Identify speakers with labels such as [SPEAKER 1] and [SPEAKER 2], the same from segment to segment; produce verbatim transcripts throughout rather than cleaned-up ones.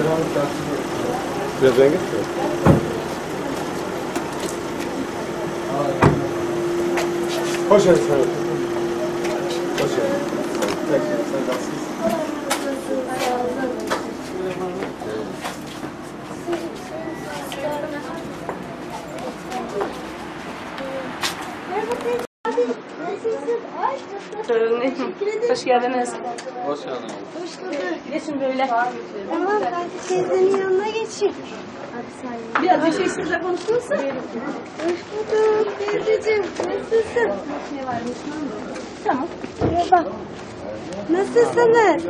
[SPEAKER 1] Biraz rengi. Hoş geldin. Hoş geldin.
[SPEAKER 2] Hoş geldiniz.
[SPEAKER 3] Hoş geldin.
[SPEAKER 4] Hoş bulduk.
[SPEAKER 2] Geçin böyle.
[SPEAKER 4] Tamam, ben de teyzenin yanına geçeyim.
[SPEAKER 2] Biraz bir şey sizle konuştunuz mu?
[SPEAKER 4] Hoş bulduk teyzeciğim. Nasılsın?
[SPEAKER 2] Tamam.
[SPEAKER 4] Merhaba. Nasılsınız?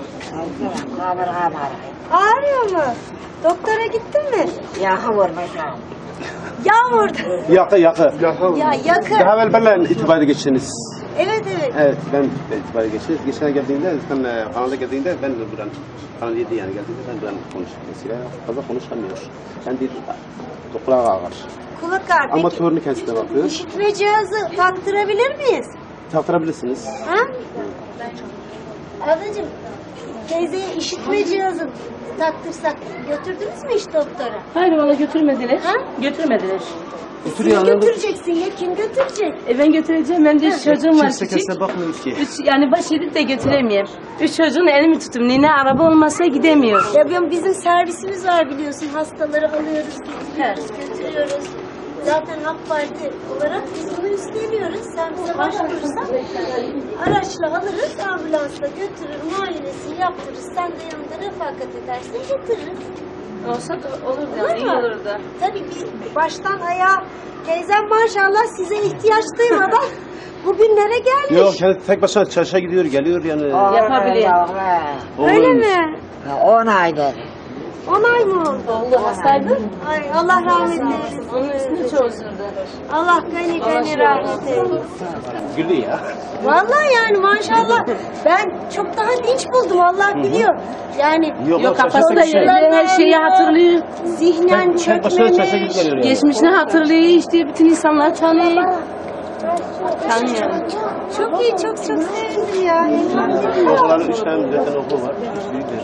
[SPEAKER 4] Ağrıyor mu? Doktora gittin mi?
[SPEAKER 5] Yağmurmuşum.
[SPEAKER 4] Yağmurda.
[SPEAKER 1] Yakı yakı.
[SPEAKER 4] Ya yakın.
[SPEAKER 1] Daha evvel benimle itibari geçtiniz.
[SPEAKER 4] Evet evet.
[SPEAKER 1] Evet, ben de itibari geçtiniz. Geçen geldiğinde, sen e, kanalda geldiğinde ben de buradan, Kanal yedi yani geldiğinde ben buradan konuştum. Mesela fazla konuşamıyor. Ben bir doktora ağır.
[SPEAKER 4] Kulak ağrı.
[SPEAKER 1] Ama
[SPEAKER 4] Peki,
[SPEAKER 1] torunu kendisine bakıyor.
[SPEAKER 4] işitme cihazı taktırabilir miyiz?
[SPEAKER 1] Taktırabilirsiniz.
[SPEAKER 4] Ha? Ablacığım, teyzeye işitme cihazı taktırsak götürdünüz mü hiç doktora?
[SPEAKER 2] Hayır valla götürmediler.
[SPEAKER 4] Ha?
[SPEAKER 2] Götürmediler.
[SPEAKER 1] Götür
[SPEAKER 4] Kim
[SPEAKER 1] yani.
[SPEAKER 4] götüreceksin ya? Kim götürecek?
[SPEAKER 2] E ben götüreceğim. Ben de üç çocuğum var
[SPEAKER 1] Kimse
[SPEAKER 2] küçük.
[SPEAKER 1] kendisine bakmıyor ki.
[SPEAKER 2] Üç, yani baş edip de götüremiyorum. Üç çocuğun elimi tutum. Nine araba olmasa gidemiyor.
[SPEAKER 4] Ya ben- bizim servisimiz var biliyorsun. Hastaları alıyoruz, getiriyoruz, götürüyoruz. Zaten AK Parti olarak biz bunu üstleniyoruz. Sen bize başvurursan araçla alırız, ambulansla götürür, muayenesini yaptırırız. Sen de yanında refakat edersin, getiririz.
[SPEAKER 2] Olsa da olurdu.
[SPEAKER 4] Olur
[SPEAKER 2] iyi
[SPEAKER 4] mu?
[SPEAKER 2] olurdu.
[SPEAKER 4] Tabii bir baştan ayağa teyzem maşallah size ihtiyaç duymadan bugünlere gelmiş.
[SPEAKER 1] Yok, kendi tek başına çarşıya gidiyor, geliyor yani.
[SPEAKER 2] Yapabilir.
[SPEAKER 4] Öyle
[SPEAKER 1] Oğlum,
[SPEAKER 4] mi?
[SPEAKER 5] On aydır.
[SPEAKER 4] On ay mı oldu?
[SPEAKER 2] Oğlu hastaydı.
[SPEAKER 4] Ay Allah rahmet eylesin.
[SPEAKER 2] Onun üstünde çok üzüldü.
[SPEAKER 4] Allah gani gani rahmet eylesin.
[SPEAKER 1] Güldü ya.
[SPEAKER 4] Vallahi yani maşallah ben çok daha dinç buldum Allah biliyor. Yani
[SPEAKER 1] Yok,
[SPEAKER 2] Yok kafası
[SPEAKER 1] çarşıya
[SPEAKER 2] da
[SPEAKER 1] şey.
[SPEAKER 2] yerinde, her şeyi hatırlıyor.
[SPEAKER 4] zihnen
[SPEAKER 1] Tek başına çarşıya
[SPEAKER 4] çökmemiş.
[SPEAKER 1] gidip geliyor yani.
[SPEAKER 2] Geçmişini hatırlıyor, işte bütün insanlar tanıyor. Tanıyor.
[SPEAKER 4] Çok iyi, çok çok sevindim ya. Elhamdülillah.
[SPEAKER 1] Oğlanın üç tane zaten okulu var. Üç büyükler.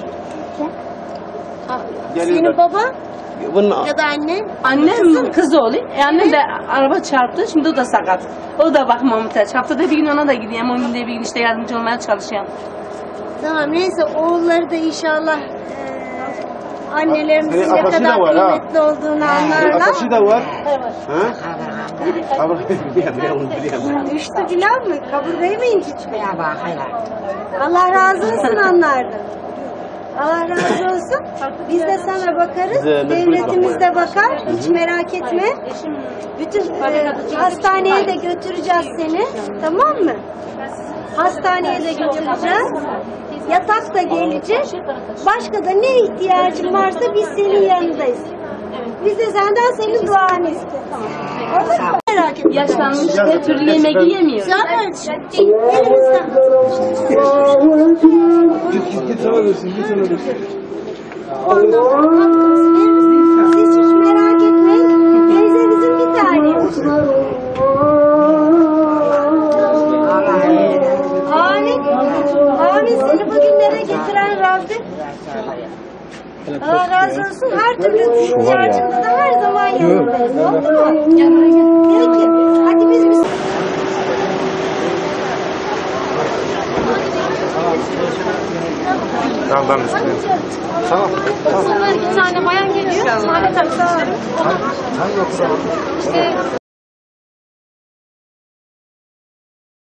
[SPEAKER 4] Senin
[SPEAKER 1] Geliyorlar.
[SPEAKER 4] baban
[SPEAKER 1] Bunun
[SPEAKER 4] ya da annen?
[SPEAKER 2] Annem kız oğlu. E annem de araba çarptı. Şimdi o da sakat. O da bakmama muhtaç. Haftada bir gün ona da gidiyorum. On günde bir gün işte yardımcı olmaya çalışıyorum.
[SPEAKER 4] Tamam neyse oğulları da inşallah eee annelerimizin
[SPEAKER 1] Senin
[SPEAKER 4] ne
[SPEAKER 1] arkadaşı
[SPEAKER 4] kadar
[SPEAKER 1] da var, ha.
[SPEAKER 4] kıymetli olduğunu anlarlar.
[SPEAKER 1] arkadaşı da var. Ha? Kabul biliyorum, biliyorum, biliyorum.
[SPEAKER 4] Düştü filan mı? Kaburgayı mı incitmiş?
[SPEAKER 5] Ya bakayım.
[SPEAKER 4] Allah razı olsun onlardan. Allah razı olsun. Biz de sana bakarız.
[SPEAKER 1] Bize mecbur
[SPEAKER 4] Devletimiz de bakar. Hiç merak etme. Bütün e, hastaneye de götüreceğiz seni. Tamam mı? Hastaneye de götüreceğiz. Yatak da gelecek. Başka da ne ihtiyacın varsa biz senin yanındayız. Biz de senden senin duanı isteriz. Olur mu? Merak etme.
[SPEAKER 2] Yaşlanmış her türlü yemek yiyemiyor.
[SPEAKER 4] Zaten elimizden.
[SPEAKER 1] Git git git sana versin, git sana versin.
[SPEAKER 4] Ondan sonra hakkımızı veririz. Siz hiç merak etmeyin. Teyze bizim bir tanemiz. Amin. Amin. Seni bugünlere getiren Rabbim. Allah razı olsun. Her türlü ihtiyacında da her zaman yanındayız. Oldu mu? Peki. Hadi biz biz...
[SPEAKER 1] Tamam ben üstüne. Tamam.
[SPEAKER 4] Bir tane bayan geliyor. Saadet Hanım.
[SPEAKER 1] Hangi okula?
[SPEAKER 4] İşte